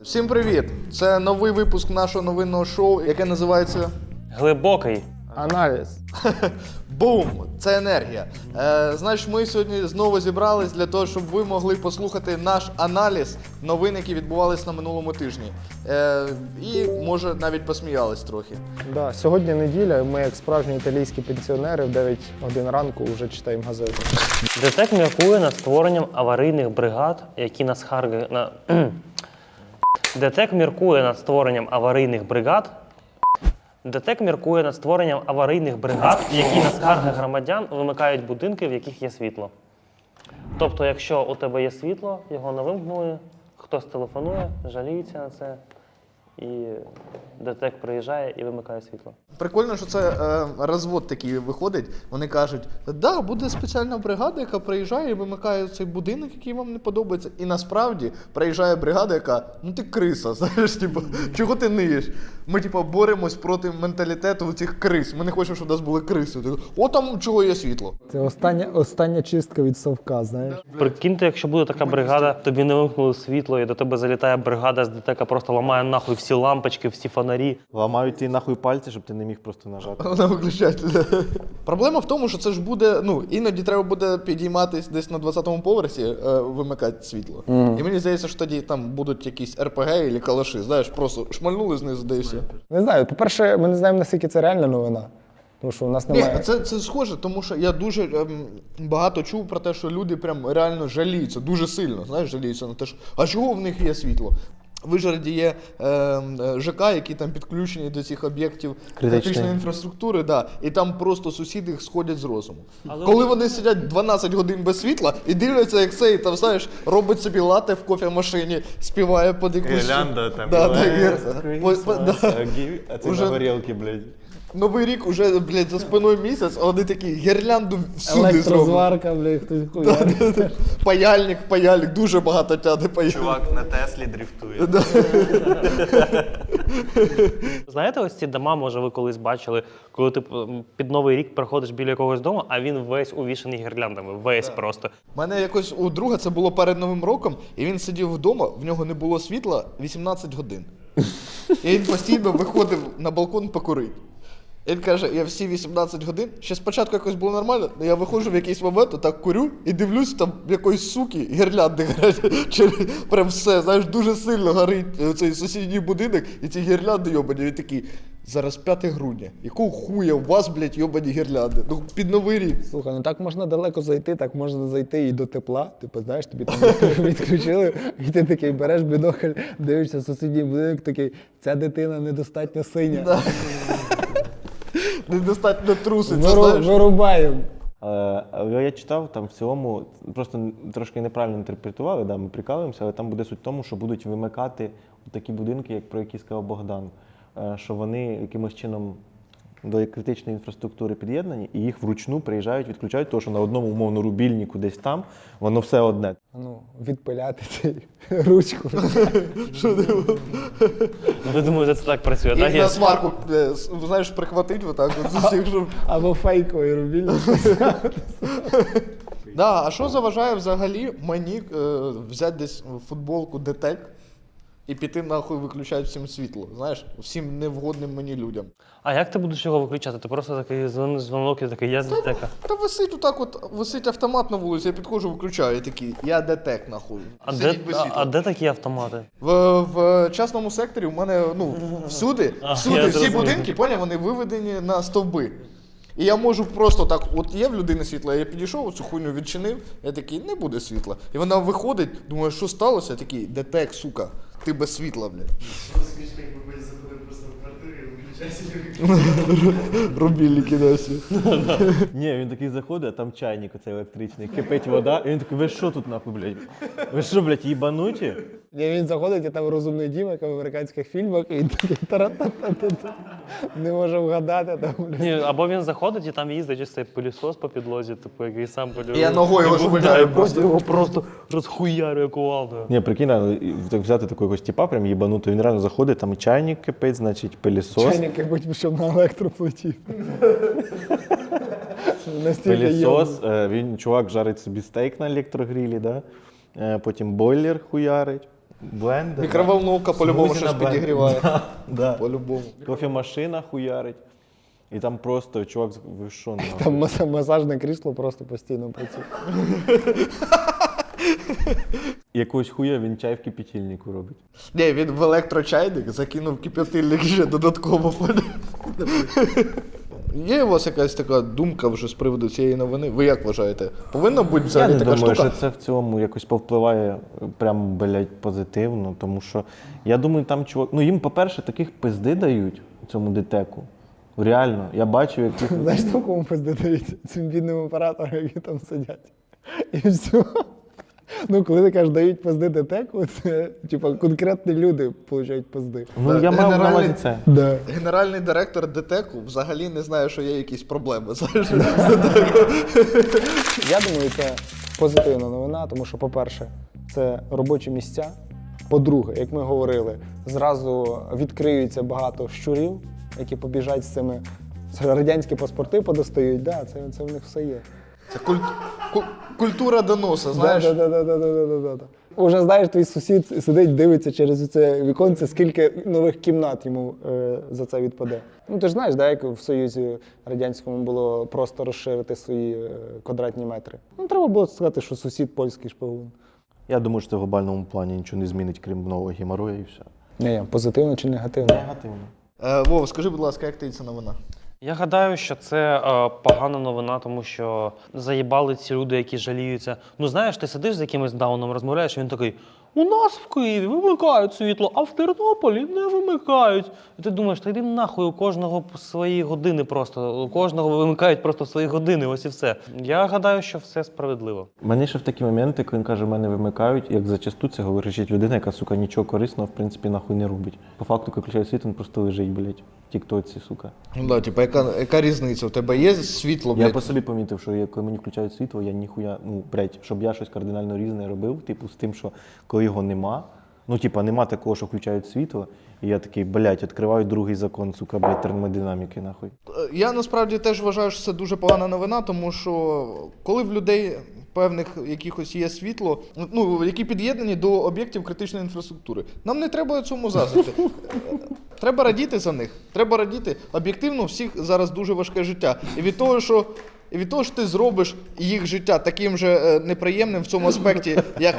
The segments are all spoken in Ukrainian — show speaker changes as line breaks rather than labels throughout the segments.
Всім привіт! Це новий випуск нашого новинного шоу, яке називається
Глибокий
аналіз.
Бум! Це енергія. Значить, ми сьогодні знову зібрались для того, щоб ви могли послухати наш аналіз новин, які відбувалися на минулому тижні. І, може, навіть посміялись трохи.
Да, сьогодні неділя, ми як справжні італійські пенсіонери в 9 годин ранку вже читаємо газету.
ДТЕК міркує над створенням аварійних бригад, які ДТЕК міркує над створенням аварійних бригад. ДТЕК міркує над створенням аварійних бригад, які на скарги громадян вимикають будинки, в яких є світло. Тобто, якщо у тебе є світло, його не вимкнули, хтось телефонує, жаліється на це, і ДТЕК приїжджає і вимикає світло.
Прикольно, що це розвод такий виходить. Вони кажуть, да, буде спеціальна бригада, яка приїжджає і вимикає цей будинок, який вам не подобається. І насправді приїжджає бригада, яка, ну ти криса, знаєш, типу, чого ти ниєш? Ми, типу, боремось проти менталітету цих крис. Ми не хочемо, щоб у нас були криси. О, там чого є світло.
Це остання чистка від совка, знаєш.
Прикиньте, якщо буде така бригада, тобі не вимкнули світло, і до тебе залітає бригада з ДТЕКа, просто ламає нахуй всі лампочки, всі фонарі.
Ламають ті нахуй пальці, щоб ти не міг просто нажати.
Вона виключається. Проблема в тому, що це ж буде, ну, іноді треба буде підійматись десь на 20-му поверсі, вимикати світло. І мені здається, що тоді там будуть якісь РПГ або калаші, знаєш, просто шмальнули знизу, де і все.
Не знаю, по-перше, ми не знаємо, наскільки це реальна новина. Тому що у нас немає.
Ні, це схоже, тому що я дуже багато чув про те, що люди прям реально жаліються, дуже сильно, знаєш, жаліються на те, що а чого в них є світло? В Вишгороді є ЖК, які там підключені до цих об'єктів критичної інфраструктури, да, і там просто сусіди сходять з розуму. Коли вони сидять 12 годин без світла і дивляться, як цей, там, знаєш, робить собі лате в кофемашині, співає під якусь...
Гірлянда там.
Да,
А це
Уже-
на горілки, блядь.
Новий рік уже, блядь, за спиною місяць, а вони такі гірлянду всюди зроблять.
Електрозварка, блядь, хтось хуярить.
Паяльник, дуже багато тяне паяльник.
Чувак на Теслі дрифтує.
Знаєте, ось ці дома, може, ви колись бачили, коли ти під Новий рік проходиш біля якогось дому, а він весь увішаний гірляндами, весь просто.
У мене якось у друга це було перед Новим роком, і він сидів вдома, в нього не було світла 18 годин. І він постійно виходив на балкон покурити. Він каже, я всі 18 годин, ще спочатку якось було нормально, але я виходжу в якийсь момент, так курю і дивлюсь, там якоїсь суки гірлянди горять. Прям все, знаєш, дуже сильно горить цей сусідній будинок, і ці гірлянди йобані. Він такий, зараз 5 грудня, якого хуя у вас, блядь, йобані гірлянди? Ну, під Новий рік.
Слухай, ну так можна далеко зайти, так можна зайти і до тепла. Типу, знаєш, тобі там відключили, і ти такий береш бінокль, дивишся сусідній будинок, такий, ця дитина недостатньо синя.
Недостатньо труситься, знаєш.
Вирубаємо.
Але я читав, там в цілому, просто трошки неправильно інтерпретували, да, ми прикалуємося, але там буде суть в тому, що будуть вимикати такі будинки, як про які сказав Богдан, що вони якимось чином до критичної інфраструктури під'єднані, і їх вручну приїжджають, відключають, тому що на одному, умовно, рубільнику десь там, воно все одне.
Ну, відпиляти цей ручку.
Ви думаєте, це так працює, так?
І на сварку, знаєш, прихватить отак от з усіх, щоб...
Або фейковий рубільник.
Да, а що заважає взагалі мені взяти десь футболку ДТЕК і піти нахуй виключати всім світло, знаєш, всім невгодним мені людям.
А як ти будеш його виключати? Ти просто такий дзвонок і такий, я з ДТЕКа.
Та висить отак от, висить автомат на вулиці, я підходжу, виключаю, і такий, я ДТЕК нахуй. Сидіть без світла.
А де такі автомати?
В частному секторі у мене, ну, всюди
я
всі
зрозумів.
будинки, поняв, вони виведені на стовби. І я можу просто так, от є в людини світло, я підійшов, цю хуйню відчинив, я такий, не буде світла. І вона виходить, думаю, що сталося? Я такий, ДТЕК, сука, ти без світла, блядь.
Смішно, якби ми заходили просто в квартиру і виключається.
Рубільники досі.
Ні, він такий заходить, а там чайник оцей електричний, кипить вода, і він такий, ви що тут нахуй, блядь? Ви що, блядь, їбануті?
Ні, він заходить, і там розумний Діма, як в американських фільмах, і він такий тара-та-та-та-та. Не може вгадати там.
Ні, або він заходить і там їздить ось цей пилісос по підлозі, типу, який сам полює.
Я ногою його швидаю
просто. Його просто розхуярює кувалдою.
Ні, прикинь, так взяти такого якогось типа прям їбанутого, він реально заходить, там і чайник кипить, значить, пилісос.
Чайник, як будь щоб на електроплиті.
Пилісос, він, чувак, жарить собі стейк на електрогрілі, да? Потім бойлер хуярить. Блендер.
Мікроволновка по-любому
Смузі
щось
на блендер.
підігріває.
Да.
По-любому.
Кофемашина хуярить. І там просто, чувак, ви що, нахуй?
Там масажне крісло просто постійно працює.
Якогось хуя він чай в кипятильнику робить.
Ні, він в електрочайник закинув кип'ятильник ще додатково. Є у вас якась така думка вже з приводу цієї новини? Ви як вважаєте? Повинна бути
Я
взагалі
не
така
думаю,
штука?
що це в цілому якось повпливає прям, блядь, позитивно, тому що я думаю, там чувак. Ну їм, по-перше, таких пизди дають цьому ДТЕКу. Реально, я бачу, яких.
Знаєш, там кому пизди дають? Цим бідним операторам, які там сидять. І все. Ну, коли ти кажеш, дають пизди ДТЕКу, це типа конкретні люди получають пизди.
Ну я мав на увазі це.
Да.
Генеральний директор ДТЕКу взагалі не знає, що є якісь проблеми. Знаєш?
Я думаю, це позитивна новина, тому що, по-перше, це робочі місця. По-друге, як ми говорили, зразу відкриються багато щурів, які побіжать з цими. Це радянські паспорти подостають, да, це в них все є.
Це культура доноса, знаєш?
Да. Уже знаєш, твій сусід сидить, дивиться через це віконце, скільки нових кімнат йому за це відпаде. Ну ти ж знаєш, да, як в Союзі Радянському було просто розширити свої квадратні метри. Ну треба було сказати, що сусід польський шпигун.
Я думаю, що це в глобальному плані нічого не змінить, крім нового геморрою і все.
Ні, позитивно чи негативно?
Негативно.
Вов, скажи, будь ласка, як тобі ця новина?
Я гадаю, що це погана новина, тому що заїбали ці люди, які жаліються. Ну знаєш, ти сидиш з якимось дауном, розмовляєш, і він такий: у нас в Києві вимикають світло, а в Тернополі не вимикають. І ти думаєш, та йди нахуй, у кожного свої години просто, у кожного вимикають просто свої години, ось і все. Я гадаю, що все справедливо.
Мене ще в такі моменти, коли він каже, мене вимикають, як зачасту це говорить людина, яка, сука, нічого корисного, в принципі, нахуй не робить. По факту, коли включає світ, він просто лежить, блядь, в тіктоці, сука.
Ну да, типа, яка різниця? У тебе є світло,
Я
блядь?
по собі помітив, що коли мені включають світло, я ніхуя, ну, блядь, щоб я щось кардинально різне робив, типу, з тим, що коли його нема, ну, типа, нема такого, що включають світло, і я такий, блядь, відкриваю другий закон, сука, блядь, термодинаміки, нахуй.
Я насправді теж вважаю, що це дуже погана новина, тому що коли в людей певних якихось є світло, ну, які під'єднані до об'єктів критичної інфраструктури, нам не треба цьому заздрити. Треба радіти за них. Треба радіти. Об'єктивно, у всіх зараз дуже важке життя. І від того, що ти зробиш їх життя таким же неприємним в цьому аспекті, як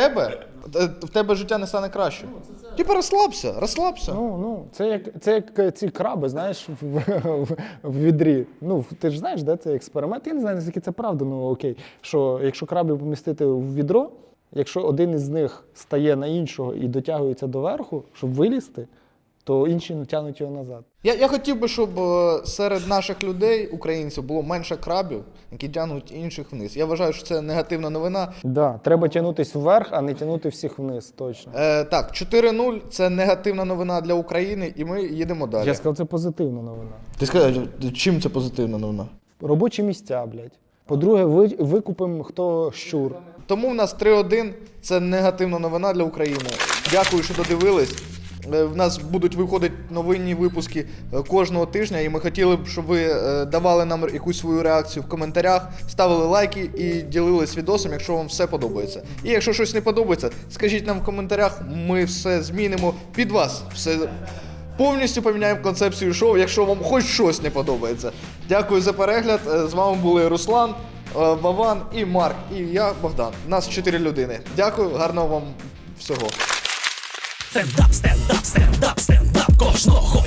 в тебе життя не стане краще. Типа розслабся.
Це як ці краби, знаєш, в відрі. Ну, ти ж знаєш, де це експеримент. Я не знаю, наскільки це правда, ну окей. Що якщо крабів помістити в відро, якщо один із них стає на іншого і дотягується до верху, щоб вилізти, то інші тягнуть його назад.
Я хотів би, щоб серед наших людей, українців, було менше крабів, які тягнуть інших вниз. Я вважаю, що це негативна новина.
Да, треба тягнутися вверх, а не тягнути всіх вниз, точно.
Так, 4-0 – це негативна новина для України, і ми їдемо далі.
Я сказав, це позитивна новина.
Ти сказав, чим це позитивна новина?
Робочі місця, блядь. По-друге, викупимо хто щур.
Тому в нас 3-1 – це негативна новина для України. Дякую, що додивились. В нас будуть виходити новинні випуски кожного тижня, і ми хотіли б, щоб ви давали нам якусь свою реакцію в коментарях, ставили лайки і ділились відосом, якщо вам все подобається. І якщо щось не подобається, скажіть нам в коментарях, ми все змінимо під вас. Все повністю поміняємо концепцію шоу, якщо вам хоч щось не подобається. Дякую за перегляд. З вами були Руслан, Вован і Марк, і я, Богдан. Нас 4 людини. Дякую, гарного вам всього.
Стендап, стендап, стендап, стендап кожного